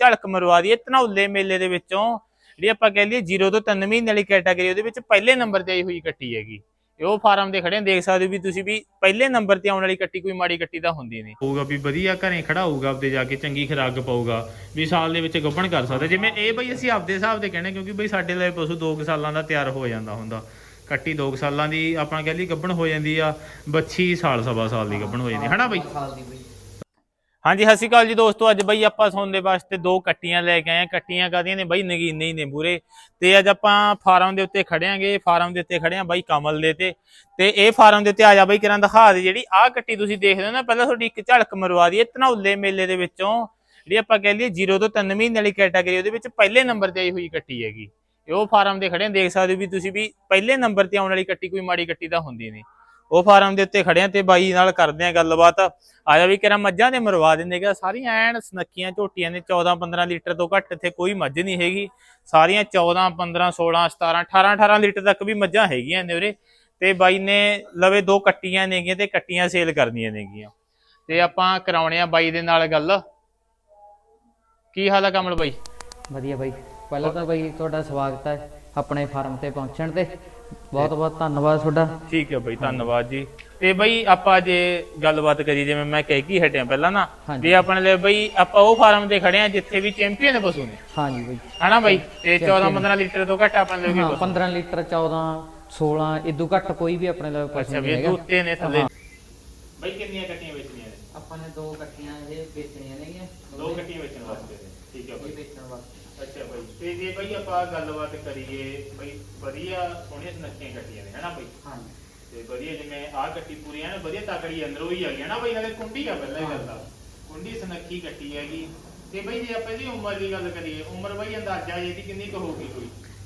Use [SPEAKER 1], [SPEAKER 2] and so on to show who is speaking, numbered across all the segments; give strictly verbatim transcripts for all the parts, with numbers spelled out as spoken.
[SPEAKER 1] ਝਲਕ ਮਰਵਾ ਦਈਏ ਧਨੌਲੇ ਮੇਲੇ ਦੇ ਵਿੱਚੋਂ ਜਿਹੜੀ ਆਪਾਂ ਕਹਿ ਲਈਏ ਜ਼ੀਰੋ ਤੋਂ ਤਿੰਨ ਮਹੀਨੇ ਵਾਲੀ ਕੈਟਾਗਰੀ ਉਹਦੇ ਵਿੱਚ ਪਹਿਲੇ ਨੰਬਰ ਤੇ ਆਈ ਹੋਈ ਕੱਟੀ ਹੈਗੀ। ਉਹ ਫਾਰਮ ਦੇ ਖੜੇ ਦੇਖ ਸਕਦੇ ਹੋ ਵੀ ਤੁਸੀਂ ਵੀ ਪਹਿਲੇ ਨੰਬਰ ਤੇ ਆਉਣ ਵਾਲੀ ਕੱਟੀ ਕੋਈ ਮਾੜੀ ਕੱਟੀ ਤਾਂ ਹੁੰਦੀ ਨਹੀਂ ਹੋਊਗਾ ਵੀ ਵਧੀਆ ਘਰੇ ਖੜਾ ਹੋਊਗਾ ਆਪਦੇ ਜਾ ਕੇ ਚੰਗੀ ਖੁਰਾਕ ਪਾਊਗਾ ਵੀ ਸਾਲ ਦੇ ਵਿੱਚ ਗੱਭਣ ਕਰ ਸਕਦਾ। ਜਿਵੇਂ ਇਹ ਬਈ ਅਸੀਂ ਆਪਦੇ ਹਿਸਾਬ ਦੇ ਕਹਿੰਦੇ ਕਿਉਂਕਿ ਬਈ ਸਾਡੇ ਲਈ ਪਸ਼ੂ ਦੋ ਕੁ ਸਾਲਾਂ ਦਾ ਤਿਆਰ ਹੋ ਜਾਂਦਾ ਹੁੰਦਾ। ਕੱਟੀ ਦੋ ਸਾਲਾਂ ਦੀ ਆਪਾਂ ਕਹਿ ਲਈ ਗੱਭਣ ਹੋ ਜਾਂਦੀ ਆ, ਬੱਚੀ ਸਾਲ ਸਵਾ ਸਾਲ ਦੀ ਗੱਭਣ ਹੋ ਜਾਂਦੀ ਹੈ ਨਾ ਬਈ। ਹਾਂਜੀ ਸਤਿ ਸ਼੍ਰੀ ਅਕਾਲ ਜੀ ਦੋਸਤੋ, ਅੱਜ ਬਈ ਆਪਾਂ ਸੌਣ ਦੇ ਵਾਸਤੇ ਦੋ ਕੱਟੀਆਂ ਲੈ ਕੇ ਆਏ। ਕੱਟੀਆਂ ਕਾਹਦੀਆਂ ਨੇ ਬਈ, ਨਗੀਨੇ ਹੀ ਨੇ ਪੂਰੇ। ਤੇ ਅੱਜ ਆਪਾਂ ਫਾਰਮ ਦੇ ਉੱਤੇ ਖੜਿਆਂਗੇ, ਫਾਰਮ ਦੇ ਉੱਤੇ ਖੜਿਆ ਬਾਈ ਕਮਲ ਦੇ ਤੇ ਤੇ ਇਹ ਫਾਰਮ ਦੇ ਉੱਤੇ ਆ ਜਾ ਬਈ ਕਿਰਾਂ ਦਿਖਾ ਦੇ। ਜਿਹੜੀ ਆਹ ਕੱਟੀ ਤੁਸੀਂ ਦੇਖਦੇ ਹੋ ਨਾ, ਪਹਿਲਾਂ ਤੁਹਾਡੀ ਇੱਕ ਝਲਕ ਮਰਵਾ ਦਈਏ ਧਨੌਲੇ ਮੇਲੇ ਦੇ ਵਿੱਚੋਂ ਜਿਹੜੀ ਆਪਾਂ ਕਹਿ ਲਈਏ ਜ਼ੀਰੋ ਤੋਂ ਤਿੰਨ ਮਹੀਨੇ ਵਾਲੀ ਕੈਟਾਗਰੀ ਉਹਦੇ ਵਿੱਚ ਪਹਿਲੇ ਨੰਬਰ ਤੇ ਆਈ ਹੋਈ ਕੱਟੀ ਹੈਗੀ। ਉਹ ਫਾਰਮ ਦੇ ਖੜੇ ਦੇਖ ਸਕਦੇ ਹੋ ਵੀ ਤੁਸੀਂ ਵੀ ਪਹਿਲੇ ਨੰਬਰ ਤੇ ਆਉਣ ਵਾਲੀ ਕੱਟੀ ਕੋਈ ਮਾੜੀ ਕੱਟੀ ਤਾਂ ਹੁੰਦੀ ਨਹੀਂ। ਉਹ ਫਾਰਮ ਦੇ ਉੱਤੇ ਖੜਿਆ ਤੇ ਬਾਈ ਨਾਲ ਕਰਦੇ ਆ ਗੱਲਬਾਤ। ਆ ਜਾ ਵੀ ਕਿਹੜਾ ਮੱਝਾਂ ਦੇ ਮਰਵਾ ਦਿੰਦੇ ਸਾਰੀਆਂ ਐਨ ਸੁਨੱਖੀਆਂ ਝੋਟੀਆਂ ਨੇ। ਚੌਦਾਂ ਪੰਦਰਾਂ ਲੀਟਰ ਤੋਂ ਘੱਟ ਇੱਥੇ ਕੋਈ ਮੱਝ ਨਹੀਂ ਹੈਗੀ। ਸਾਰੀਆਂ ਚੌਦਾਂ ਪੰਦਰਾਂ ਸੋਲਾਂ ਸਤਾਰਾਂ ਅਠਾਰਾਂ ਅਠਾਰਾਂ ਲੀਟਰ ਤੱਕ ਵੀ ਮੱਝਾਂ ਹੈਗੀਆਂ ਨੇ ਉਰੇ। ਤੇ ਬਾਈ ਨੇ ਲਵੇ ਦੋ ਕੱਟੀਆਂ ਨੇਗੀਆਂ ਤੇ ਕੱਟੀਆਂ ਸੇਲ ਕਰਨੀਆਂ ਨੇਗੀਆਂ। ਤੇ ਆਪਾਂ ਕਰਾਉਣੇ ਆ ਬਾਈ ਦੇ ਨਾਲ ਗੱਲ। ਕੀ ਹਾਲ ਆ ਕਮਲ ਬਾਈ?
[SPEAKER 2] ਵਧੀਆ ਬਾਈ, ਪਹਿਲਾਂ ਤਾਂ ਬਾਈ ਤੁਹਾਡਾ ਸਵਾਗਤ ਹੈ ਆਪਣੇ ਫਾਰਮ ਤੇ ਪਹੁੰਚਣ ਤੇ। ਬਹੁਤ ਬਹੁਤ ਧੰਨਵਾਦ ਤੁਹਾਡਾ।
[SPEAKER 1] ਠੀਕ ਹੈ ਬਾਈ, ਧੰਨਵਾਦ ਜੀ। ਤੇ ਬਈ ਆਪਾਂ ਜੇ ਗੱਲਬਾਤ ਕਰੀ ਜਿਵੇਂ ਮੈਂ ਕਹਿ ਕੀ ਹਟਿਆ ਪਹਿਲਾਂ ਨਾ ਵੀ ਆਪਣੇ ਲਈ ਬਈ ਆਪਾਂ ਉਹ ਫਾਰਮ ਤੇ ਖੜੇ ਆ ਜਿੱਥੇ ਵੀ ਚੈਂਪੀਅਨ ਪਸ਼ੂ ਨੇ।
[SPEAKER 2] ਹਾਂਜੀ ਬਾਈ,
[SPEAKER 1] ਹਨਾ ਬਾਈ। ਤੇ ਚੌਦਾਂ ਪੰਦਰਾਂ ਲੀਟਰ ਤੋਂ ਘੱਟ ਆਪਣੇ ਲਈ
[SPEAKER 2] ਪੰਦਰਾਂ ਲੀਟਰ ਚੌਦਾਂ ਸੋਲਾਂ ਇਦੋਂ ਘੱਟ ਕੋਈ ਵੀ ਆਪਣੇ ਲਈ ਪਸ਼ੂ ਨਹੀਂ ਹੈਗਾ।
[SPEAKER 1] ਦੁੱਤੇ ਨੇ ਥੱਲੇ ਬਾਈ। ਕਿੰਨੀਆਂ ਕੱਟੀਆਂ ਵੇਚਣੀਆਂ ਨੇ
[SPEAKER 2] ਆਪਾਂ ਨੇ? ਦੋ ਕੱਟੀਆਂ ਇਹ ਵੇਚਣੀਆਂ ਨੇਗੀਆਂ।
[SPEAKER 1] ਦੋ ਕੱਟੀਆਂ ਵੇਚਣ ਵਾਸਤੇ। ਠੀਕ ਹੈ ਬਾਈ,
[SPEAKER 2] ਵੇਚਣ ਵਾਸਤੇ।
[SPEAKER 1] ਅੱਛਾ ਬਾਈ। ਤੇ ਜੇ ਬਈ ਆਪਾਂ ਗੱਲਬਾਤ ਕਰੀਏ ਬਈ ਵਧੀਆ ਸੋਹਣੀਆਂ ਸੁਨੱਖੀਆਂ ਕੱਟੀਆਂ ਨੇ ਹਨਾ ਬਾਈ।
[SPEAKER 2] ਹਾਂਜੀ।
[SPEAKER 1] ਤੇ ਵਧੀਆ ਜਿਵੇਂ ਆਹ ਕੱਟੀ ਪੂਰੀ ਐਨ ਵਧੀਆ ਤਕੜੀ ਅੰਦਰੋਂ ਹੀ ਆ ਗਈ ਨਾ ਬਾਈ। ਨਾਲੇ ਕੁੰਡੀ ਆ ਪਹਿਲਾਂ ਹੀ ਗੱਲ ਦਾ, ਕੁੰਡੀ ਸੁਨੱਖੀ ਕੱਟੀ ਹੈਗੀ। ਤੇ ਬਈ ਜੇ ਆਪਾਂ ਇਹਦੀ ਉਮਰ ਦੀ ਗੱਲ ਕਰੀਏ, ਉਮਰ ਬਈ ਅੰਦਾਜ਼ਾ ਇਹਦੀ ਕਿੰਨੀ ਕੁ ਹੋਊਗੀ ਕੋਈ?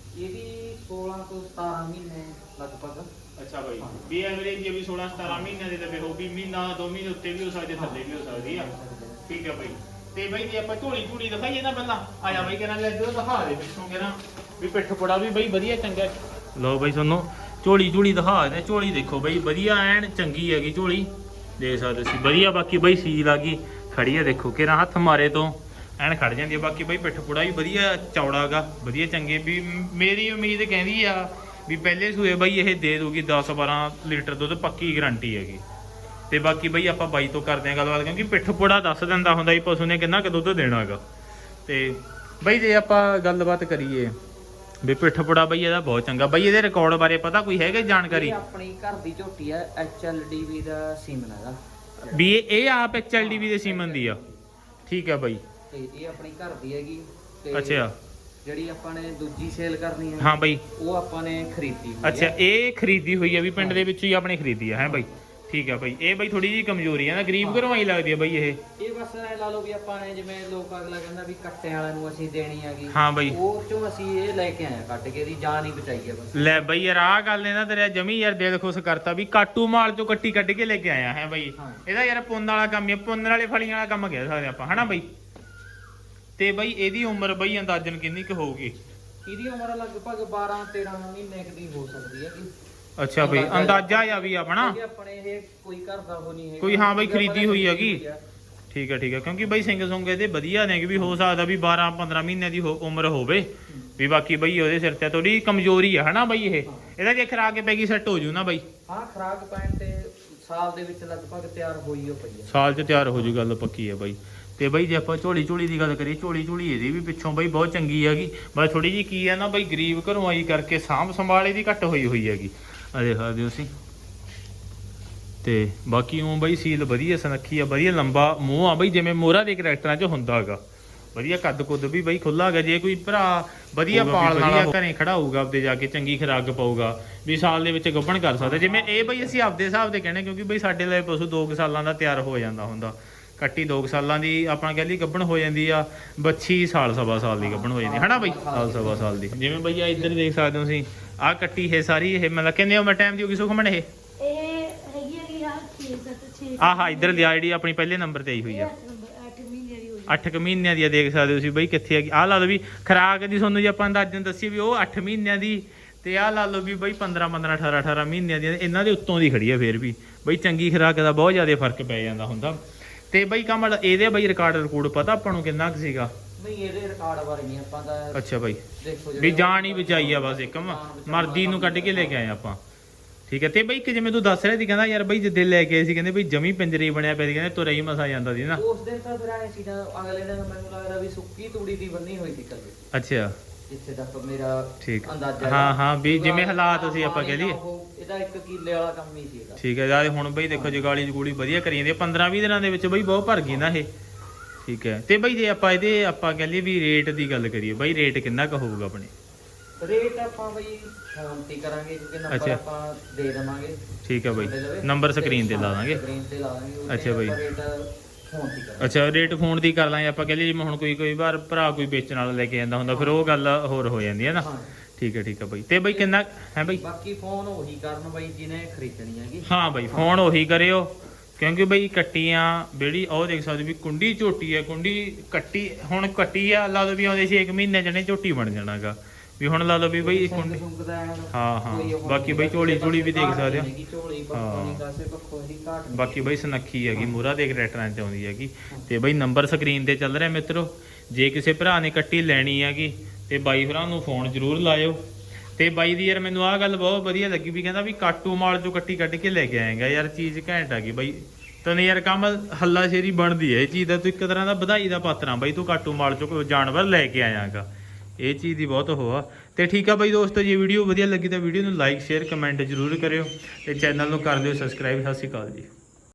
[SPEAKER 2] ਇਹਦੀ ਸੋਲਾਂ ਤੋਂ ਸਤਾਰਾਂ ਮਹੀਨੇ ਲਗਭਗ।
[SPEAKER 1] ਅੱਛਾ ਬਾਈ, ਵੀ ਐਵਰੇਜ ਜੇ ਵੀ ਸੋਲਾਂ ਸਤਾਰਾਂ ਮਹੀਨਿਆਂ ਦੇ ਤੇ ਹੋਊਗੀ। ਮਹੀਨਾ ਦੋ ਮਹੀਨੇ ਉੱਤੇ ਵੀ ਹੋ ਸਕਦੇ, ਥੱਲੇ ਵੀ ਹੋ ਸਕਦੀ ਆ। ਠੀਕ ਹੈ ਬਾਈ। ਤੇ ਬਈ ਜੇ ਆਪਾਂ ਝੋਲੀ ਝੂੜੀ ਦਿਖਾਈਏ ਨਾ ਪਹਿਲਾਂ, ਆ ਜਾ ਬਈ ਕਹਿੰਦਾ ਇੱਧਰ ਦਿਖਾ ਦੇ ਪਿੱਛੋਂ ਕਹਿੰਦਾ ਵੀ ਪਿੱਠ ਪੁੜਾ ਵੀ ਬਈ ਵਧੀਆ ਚੰਗਾ। ਲਓ ਬਈ ਤੁਹਾਨੂੰ ਝੋਲੀ ਝੂੜੀ ਦਿਖਾ ਦੇ। ਝੋਲੀ ਦੇਖੋ ਬਈ ਵਧੀਆ ਐਨ ਚੰਗੀ ਹੈਗੀ ਝੋਲੀ, ਦੇਖ ਸਕਦੇ ਸੀ ਵਧੀਆ। ਬਾਕੀ ਬਈ ਸੀਲ ਆ ਗਈ ਖੜੀ ਆ, ਦੇਖੋ ਕਿਹੜਾ ਹੱਥ ਮਾਰੇ ਤੋਂ ਐਨ ਖੜ ਜਾਂਦੀ ਆ। ਬਾਕੀ ਬਈ ਪਿੱਠ ਪੁੜਾ ਵੀ ਵਧੀਆ ਚੌੜਾ ਗਾ, ਵਧੀਆ ਚੰਗੇ। ਵੀ ਮੇਰੀ ਉਮੀਦ ਕਹਿੰਦੀ ਆ ਵੀ ਪਹਿਲੇ ਸੂਏ ਬਈ ਇਹ ਦੇ ਦੂਗੀ ਦਸ ਬਾਰਾਂ ਲੀਟਰ ਦੁੱਧ, ਪੱਕੀ ਗਰੰਟੀ ਹੈਗੀ। ਤੇ ਬਾਕੀ ਬਈ ਆਪਾਂ ਬਾਈ ਤੋਂ ਕਰਦੇ ਆ ਗੱਲਬਾਤ, ਕਿਉਂਕਿ ਪਿੱਠ ਪੁੜਾ ਦੱਸ ਦਿੰਦਾ ਹੁੰਦਾ ਵੀ ਪਸ਼ੂ ਨੇ ਕਿੰਨਾ ਕੁ ਦੁੱਧ ਦੇਣਾ ਹੈਗਾ। ਤੇ ਬਈ ਜੇ ਆਪਾਂ ਗੱਲਬਾਤ ਕਰੀਏ ਵੀ ਪਿੱਠ ਪੁੜਾ ਬਈ ਇਹਦਾ ਬਹੁਤ ਚੰਗਾ। ਬਈ ਇਹਦੇ ਰਿਕਾਰਡ ਬਾਰੇ ਪਤਾ ਕੋਈ ਹੈਗਾ ਜਾਣਕਾਰੀ?
[SPEAKER 2] ਆਪਣੀ ਘਰ ਦੀ ਝੋਟੀ ਆ, ਐਚ ਐਲ ਡੀ ਵੀ ਦਾ ਸੀਮਨ ਹੈਗਾ।
[SPEAKER 1] ਵੀ ਇਹ ਆਪ ਐਚ ਐਲ ਡੀ ਵੀ ਦੇ ਸੀਮਨ ਦੀ ਆ? ਠੀਕ ਹੈ ਬਾਈ।
[SPEAKER 2] ਤੇ ਇਹ ਆਪਣੀ ਘਰ ਦੀ ਹੈਗੀ। ਤੇ
[SPEAKER 1] ਅੱਛਾ,
[SPEAKER 2] ਜਿਹੜੀ ਆਪਾਂ ਨੇ ਦੂਜੀ ਸੇਲ ਕਰਨੀ ਹੈ
[SPEAKER 1] ਹਾਂ ਬਾਈ,
[SPEAKER 2] ਉਹ ਆਪਾਂ ਨੇ ਖਰੀਦੀ ਹੋਈ।
[SPEAKER 1] ਅੱਛਾ, ਇਹ ਖਰੀਦੀ ਹੋਈ ਆ ਵੀ ਪਿੰਡ ਦੇ ਵਿੱਚ ਹੀ ਆਪਣੇ ਖਰੀਦੀ ਆ ਹੈ ਬਾਈ। ਠੀਕ ਹੈ ਬਾਈ। ਇਹ ਬਾਈ ਥੋੜੀ ਜਿਹੀ ਕਮਜ਼ੋਰੀ ਆ ਨਾ, ਗਰੀਬ ਘਰੋਂ ਆਈ ਲੱਗਦੀ ਆ ਬਾਈ ਇਹ।
[SPEAKER 2] ਇਹ ਬਸ ਐ ਲਾ ਲਓ ਵੀ ਆਪਾਂ ਨੇ ਜਿਵੇਂ ਲੋਕ ਅਗਲਾ ਕਹਿੰਦਾ ਵੀ ਕੱਟਿਆਂ ਵਾਲਿਆਂ ਨੂੰ ਅਸੀਂ ਦੇਣੀ ਹੈਗੀ।
[SPEAKER 1] ਹਾਂ ਬਾਈ,
[SPEAKER 2] ਉਹ ਚੋਂ ਅਸੀਂ ਇਹ ਲੈ ਕੇ ਆਏ ਕੱਟ ਕੇ, ਦੀ ਜਾਨ ਹੀ ਬਚਾਈ ਆ ਬਸ।
[SPEAKER 1] ਲੈ ਬਾਈ ਯਾਰ ਆਹ ਗੱਲ ਨੇ ਨਾ ਤੇਰਾ ਜਮੀ ਯਾਰ ਦਿਲ ਖੁਸ਼ ਕਰਤਾ ਵੀ ਕਾਟੂ ਮਾਲ ਚੋਂ ਕੱਟੀ ਕੱਢ ਕੇ ਲੈ ਕੇ ਆਇਆ ਹੈ ਬਾਈ। ਇਹਦਾ ਯਾਰ ਪੁੰਨ ਵਾਲਾ ਕੰਮ ਹੈ, ਪੁੰਨ ਵਾਲੇ ਫਲੀਆਂ ਵਾਲਾ ਕੰਮ ਕਹਿ ਸਕਦੇ ਆਪਾਂ ਹਨਾ ਬਾਈ। ਤੇ ਬਾਈ ਇਹਦੀ ਉਮਰ ਬਾਈ ਅੰਦਾਜ਼ਨ ਕਿੰਨੀ ਕੁ ਹੋਊਗੀ?
[SPEAKER 2] ਇਹਦੀ ਉਮਰ ਲਗਭਗ ਬਾਰਾਂ ਤੇਰਾਂ ਮਹੀਨੇ ਦੀ ਹੋ ਸਕਦੀ ਹੈ।
[SPEAKER 1] ਅੱਛਾ ਬਈ, ਅੰਦਾਜ਼ਾ ਆ ਵੀ ਆਪਣਾ
[SPEAKER 2] ਆਪਣੇ ਇਹ ਕੋਈ ਘਰ ਦਾ ਹੋ ਨਹੀਂ ਹੈ
[SPEAKER 1] ਕੋਈ। ਹਾਂ ਬਈ ਖਰੀਦੀ ਹੋਈ ਹੈਗੀ। ਠੀਕ ਹੈ ਠੀਕ ਹੈ, ਕਿਉਂਕਿ ਬਈ ਸਿੰਘ ਸੁੰਗ ਇਹਦੇ ਵਧੀਆ ਨੇ ਵੀ ਹੋ ਸਕਦਾ ਵੀ ਬਾਰਾਂ ਪੰਦਰਾਂ ਮਹੀਨਿਆਂ ਦੀ ਉਮਰ ਹੋਵੇ ਵੀ। ਬਾਕੀ ਬਈ ਉਹਦੇ ਸਿਰ ਤੇ ਥੋੜੀ ਕਮਜ਼ੋਰੀ ਆ ਹਨਾ ਬਈ। ਇਹ ਇਹਦਾ ਜੇ ਖਰਾਕ ਕੇ ਪੈ ਗਈ ਸੈੱਟ ਹੋ ਜੂ ਨਾ ਬਈ?
[SPEAKER 2] ਹਾਂ, ਖਰਾਕ ਪੈਣ ਤੇ ਸਾਲ ਦੇ ਵਿੱਚ ਲਗਭਗ ਤਿਆਰ ਹੋਈ ਹੋ ਪਈ ਹੈ।
[SPEAKER 1] ਸਾਲ 'ਚ ਤਿਆਰ ਹੋ ਜੂ, ਗੱਲ ਪੱਕੀ ਹੈ ਬਾਈ। ਤੇ ਬਈ ਜੇ ਆਪਾਂ ਝੋਲੀ ਝੋਲੀ ਦੀ ਗੱਲ ਕਰੀਏ, ਝੋਲੀ ਝੋਲੀ ਇਹਦੀ ਵੀ ਪਿੱਛੋਂ ਬਈ ਬਹੁਤ ਚੰਗੀ ਹੈਗੀ। ਬਸ ਥੋੜੀ ਜਿਹੀ ਕੀ ਹੈ ਨਾ ਬਈ, ਗਰੀਬ ਘਰੋਂ ਆਈ ਕਰਕੇ ਸਾਂਭ ਸੰਭਾਲ ਇਹਦੀ ਘੱਟ ਹੋਈ ਹੋਈ ਹੈਗੀ। ਆ ਦੇਖ ਸਕਦੇ ਹੋ ਤੁਸੀਂ। ਤੇ ਬਾਕੀ ਉਹ ਬਈ ਸੀਲ ਵਧੀਆ ਸੁਨੱਖੀ ਆ, ਵਧੀਆ ਲੰਬਾ ਮੂੰਹ ਆ ਬਈ, ਜਿਵੇਂ ਮੋਹਰਾ ਦੇ ਕਰੈਕਟਰਾਂ 'ਚ ਹੁੰਦਾ ਹੈਗਾ। ਵਧੀਆ ਕੱਦ ਕੁੱਦ ਵੀ ਬਈ ਖੁੱਲਾ ਹੈਗਾ। ਜੇ ਕੋਈ ਭਰਾ ਵਧੀਆ ਪਾਲ ਵਾਲਾ ਘਰੇ ਖੜਾ ਹੋਊਗਾ, ਆਪਦੇ ਜਾ ਕੇ ਚੰਗੀ ਖੁਰਾਕ ਪਾਊਗਾ ਵੀ ਸਾਲ ਦੇ ਵਿੱਚ ਗੱਭਣ ਕਰ ਸਕਦਾ। ਜਿਵੇਂ ਇਹ ਬਈ ਅਸੀਂ ਆਪਦੇ ਹਿਸਾਬ ਦੇ ਕਹਿੰਦੇ, ਕਿਉਂਕਿ ਬਈ ਸਾਡੇ ਲਈ ਪਸ਼ੂ ਦੋ ਕੁ ਸਾਲਾਂ ਦਾ ਤਿਆਰ ਹੋ ਜਾਂਦਾ ਹੁੰਦਾ। ਕੱਟੀ ਦੋ ਕੁ ਸਾਲਾਂ ਦੀ ਆਪਾਂ ਕਹਿ ਲਈ ਗੱਭਣ ਹੋ ਜਾਂਦੀ ਆ, ਬੱਚੀ ਸਾਲ ਸਵਾ ਸਾਲ ਦੀ ਗੱਭਣ ਹੋ ਜਾਂਦੀ ਹਨਾ ਬਈ, ਸਾਲ ਸਵਾ ਸਾਲ ਦੀ। ਜਿਵੇਂ ਬਈ ਆ ਇੱਧਰ ਦੇਖ ਸਕਦੇ ਹੋ ਤੁਸੀਂ, ਆਹ ਕੱਟੀ ਇਹ ਸਾਰੀ ਇਹ ਮਤਲਬ ਕਿੰਨੇ ਉਮਰ ਟਾਈਮ ਦੀ ਹੋਗੀ ਸੁਖਮਣ? ਇਹ ਆਹ ਇੱਧਰ ਲਿਆ ਜਿਹੜੀ ਆਪਣੀ ਪਹਿਲੇ ਨੰਬਰ ਤੇ ਆਈ ਹੋਈ ਆ, ਅੱਠ ਕੁ ਮਹੀਨਿਆਂ ਦੀ ਆ। ਦੇਖ ਸਕਦੇ ਹੋ ਤੁਸੀਂ ਬਈ ਕਿੱਥੇ ਹੈਗੀ। ਆਹ ਲਾ ਲਓ ਵੀ ਖਰਾਕ ਦੀ ਤੁਹਾਨੂੰ ਜੇ ਆਪਾਂ ਅੰਦਾਜ਼ਨ ਦੱਸੀਏ ਵੀ ਉਹ ਅੱਠ ਮਹੀਨਿਆਂ ਦੀ, ਤੇ ਆਹ ਲਾ ਲਓ ਵੀ ਬਈ ਪੰਦਰਾਂ ਪੰਦਰਾਂ ਅਠਾਰਾਂ ਅਠਾਰਾਂ ਮਹੀਨਿਆਂ ਦੀ। ਇਹਨਾਂ ਦੇ ਉੱਤੋਂ ਦੀ ਖੜੀ ਆ ਫੇਰ ਵੀ ਬਈ। ਚੰਗੀ ਖੁਰਾਕ ਦਾ ਬਹੁਤ ਜ਼ਿਆਦਾ ਫਰਕ ਪੈ ਜਾਂਦਾ ਹੁੰਦਾ। ਤੇ ਬਈ ਕਮਲ ਇਹਦੇ ਬਈ ਰਿਕਾਰਡ ਰਿਕੂਡ ਪਤਾ ਆਪਾਂ ਨੂੰ ਕਿੰਨਾ ਕੁ ਸੀਗਾ?
[SPEAKER 2] ਨਹੀਂ ਇਹਦੇ ਰਿਕਾਰਡ ਬਾਰੇ ਨਹੀਂ ਆਪਾਂ ਤਾਂ
[SPEAKER 1] ਅੱਛਾ ਬਾਈ
[SPEAKER 2] ਦੇਖੋ
[SPEAKER 1] ਵੀ ਜਾਨ ਹੀ ਬਚਾਈ ਆ ਬਸ ਇੱਕ ਮਰਦੀ ਨੂੰ ਕੱਢ ਕੇ ਲੈ ਕੇ ਆਏ ਆਪਾਂ ਠੀਕ ਹੈ। ਤੇ ਬਈ ਕਿ ਜਿਵੇਂ ਤੂੰ ਦੱਸ ਰਿਹਾ ਸੀ ਕਹਿੰਦਾ ਯਾਰ ਬਈ ਜਿੱਦੇ ਲੈ ਕੇ ਆਏ ਸੀ ਕਹਿੰਦੇ ਬਈ ਜਮੀ ਪਿੰਜਰੇ ਬਣਿਆ ਪਿਆ ਸੀ ਕਹਿੰਦੇ ਤੁਰਿਆ ਹੀ ਮਸਾ ਜਾਂਦਾ ਸੀ ਨਾ
[SPEAKER 2] ਉਸ ਦਿਨ ਤਾਂ ਫਿਰ ਆਏ ਸੀ ਨਾ ਅਗਲੇ ਦਿਨ ਮੈਨੂੰ ਲੱਗਦਾ ਵੀ ਸੁੱਕੀ ਤੂੜੀ ਦੀ ਬੰਨੀ ਹੋਈ ਸੀ ਕੱਲੇ
[SPEAKER 1] ਅੱਛਾ
[SPEAKER 2] ਜਿੱਥੇ ਤੱਕ ਮੇਰਾ
[SPEAKER 1] ਠੀਕ
[SPEAKER 2] ਅੰਦਾਜ਼ਾ
[SPEAKER 1] ਹਾਂ ਹਾਂ ਵੀ ਜਿਵੇਂ ਹਾਲਾਤ ਸੀ ਆਪਾਂ ਕਹਿ ਲਈਏ
[SPEAKER 2] ਇਹਦਾ ਇੱਕ ਕਿੱਲੇ ਵਾਲਾ ਕੰਮ ਹੀ ਸੀ ਇਹਦਾ
[SPEAKER 1] ਠੀਕ ਹੈ ਯਾਰ ਹੁਣ ਬਈ ਦੇਖੋ ਜਗਾਲੀ ਜਗੂਲੀ ਵਧੀਆ ਕਰੀ ਜਾਂਦੀ ਪੰਦਰਾਂ ਵੀਹ ਦਿਨਾਂ ਦੇ ਵਿੱਚ ਬਈ ਬਹੁਤ ਭਰ ਗਈ ਨਾ ਇਹ ਠੀਕ ਹੈ। ਤੇ ਬਈ ਜੇ ਆਪਾਂ ਇਹਦੇ ਆਪਾਂ ਕਹਿ ਲਈਏ ਵੀ ਰੇਟ ਦੀ ਗੱਲ ਕਰੀਏ ਬਈ ਰੇਟ ਕਿੰਨਾ ਕੁ ਹੋਊਗਾ ਆਪਣੇ
[SPEAKER 2] ਰੇਟ ਆਪਾਂ ਬਈ ਫੋਨ ਤੇ ਕਰਾਂਗੇ ਕਿਉਂਕਿ ਨੰਬਰ ਆਪਾਂ ਦੇ ਦੇਵਾਂਗੇ
[SPEAKER 1] ਠੀਕ ਹੈ ਬਈ ਨੰਬਰ ਸਕਰੀਨ ਤੇ ਲਾ ਦਾਂਗੇ
[SPEAKER 2] ਸਕਰੀਨ ਤੇ ਲਾ ਦਾਂਗੇ
[SPEAKER 1] ਅੱਛਾ ਬਈ
[SPEAKER 2] ਰੇਟ ਫੋਨ ਤੇ ਕਰਾਂਗੇ
[SPEAKER 1] ਅੱਛਾ ਰੇਟ ਫੋਨ ਦੀ ਕਰ ਲਾਂਗੇ ਆਪਾਂ ਕਹਿ ਲਈਏ ਜਿਵੇਂ ਹੁਣ ਕੋਈ ਕੋਈ ਵਾਰ ਭਰਾ ਕੋਈ ਵੇਚਣ ਵਾਲਾ ਲੈ ਕੇ ਜਾਂਦਾ ਹੁੰਦਾ ਫਿਰ ਉਹ ਗੱਲ ਹੋਰ ਹੋ ਜਾਂਦੀ ਹੈ ਨਾ ਠੀਕ ਹੈ ਠੀਕ ਹੈ ਬਈ। ਤੇ ਬਈ ਕਿੰਨਾ ਹੈ ਬਈ
[SPEAKER 2] ਬਾਕੀ ਫੋਨ ਉਹੀ ਕਰਨ ਬਈ ਜਿਹਨੇ ਖਰੀਦਣੀ ਹੈਗੀ
[SPEAKER 1] ਹਾਂ ਬਈ ਫੋਨ ਉਹੀ ਕਰਿਓ ਕਿਉਂਕਿ ਬਈ ਕੱਟੀਆਂ ਜਿਹੜੀ ਉਹ ਦੇਖ ਸਕਦੇ ਵੀ ਕੁੰਡੀ ਝੋਟੀ ਹੈ ਕੁੰਡੀ ਕੱਟੀ ਹੁਣ ਕੱਟੀ ਆ ਲਾ ਲਓ ਵੀ ਆਉਂਦੇ ਸੀ ਇੱਕ ਮਹੀਨੇ ਜਣੇ ਝੋਟੀ ਬਣ ਜਾਣਾਗਾ ਵੀ ਹੁਣ ਲਾ ਲਓ ਵੀ ਬਈ ਕੁੰਡੀ ਹਾਂ ਹਾਂ ਬਾਕੀ ਬਈ ਝੋਲੀ ਝੋਲੀ ਵੀ ਦੇਖ ਸਕਦੇ ਹੋ ਹਾਂ ਬਾਕੀ ਬਈ ਸੁਨੱਖੀ ਹੈਗੀ ਮੂਰਾ ਦੇ ਟਰੈਕਟਰਾਂ ਤੇ ਆਉਂਦੀ ਹੈਗੀ। ਤੇ ਬਈ ਨੰਬਰ ਸਕਰੀਨ ਤੇ ਚੱਲ ਰਿਹਾ ਮਿੱਤਰੋ ਜੇ ਕਿਸੇ ਭਰਾ ਨੇ ਕੱਟੀ ਲੈਣੀ ਹੈਗੀ ਤੇ ਬਾਈ ਭਰਾ ਨੂੰ ਫੋਨ ਜ਼ਰੂਰ ਲਾਇਓ। ਤੇ ਬਾਈ ਦੀ ਯਾਰ ਮੈਨੂੰ ਆਹ ਗੱਲ ਬਹੁਤ ਵਧੀਆ ਲੱਗੀ ਵੀ ਕਹਿੰਦਾ ਵੀ ਕਾਟੂ ਮਾਲ ਚੋਂ ਕੱਟੀ ਕੱਢ ਕੇ ਲੈ ਕੇ ਆਏਗਾ ਯਾਰ ਚੀਜ਼ ਘੈਂਟ ਆ ਗਈ ਬਾਈ ਤੈਨੂੰ ਯਾਰ ਕੰਮ ਹੱਲਾ ਸ਼ੇਰੀ ਬਣਦੀ ਹੈ ਇਹ ਚੀਜ਼ ਦਾ ਤੂੰ ਇੱਕ ਤਰ੍ਹਾਂ ਦਾ ਵਧਾਈ ਦਾ ਪਾਤਰ ਬਾਈ ਤੂੰ ਕਾਟੂ ਮਾਲ ਚੋਂ ਜਾਨਵਰ ਲੈ ਕੇ ਆਇਆਗਾ ਇਹ ਚੀਜ਼ ਦੀ ਬਹੁਤ ਉਹ ਆ। ਤੇ ਠੀਕ ਆ ਬਾਈ ਦੋਸਤੋ ਜੇ ਵੀਡੀਓ ਵਧੀਆ ਲੱਗੀ ਤਾਂ ਵੀਡੀਓ ਨੂੰ ਲਾਈਕ ਸ਼ੇਅਰ ਕਮੈਂਟ ਜ਼ਰੂਰ ਕਰਿਓ ਤੇ ਚੈਨਲ ਨੂੰ ਕਰ ਦਿਓ ਸਬਸਕ੍ਰਾਈਬ। ਸਤਿ ਸ਼੍ਰੀ ਅਕਾਲ ਜੀ।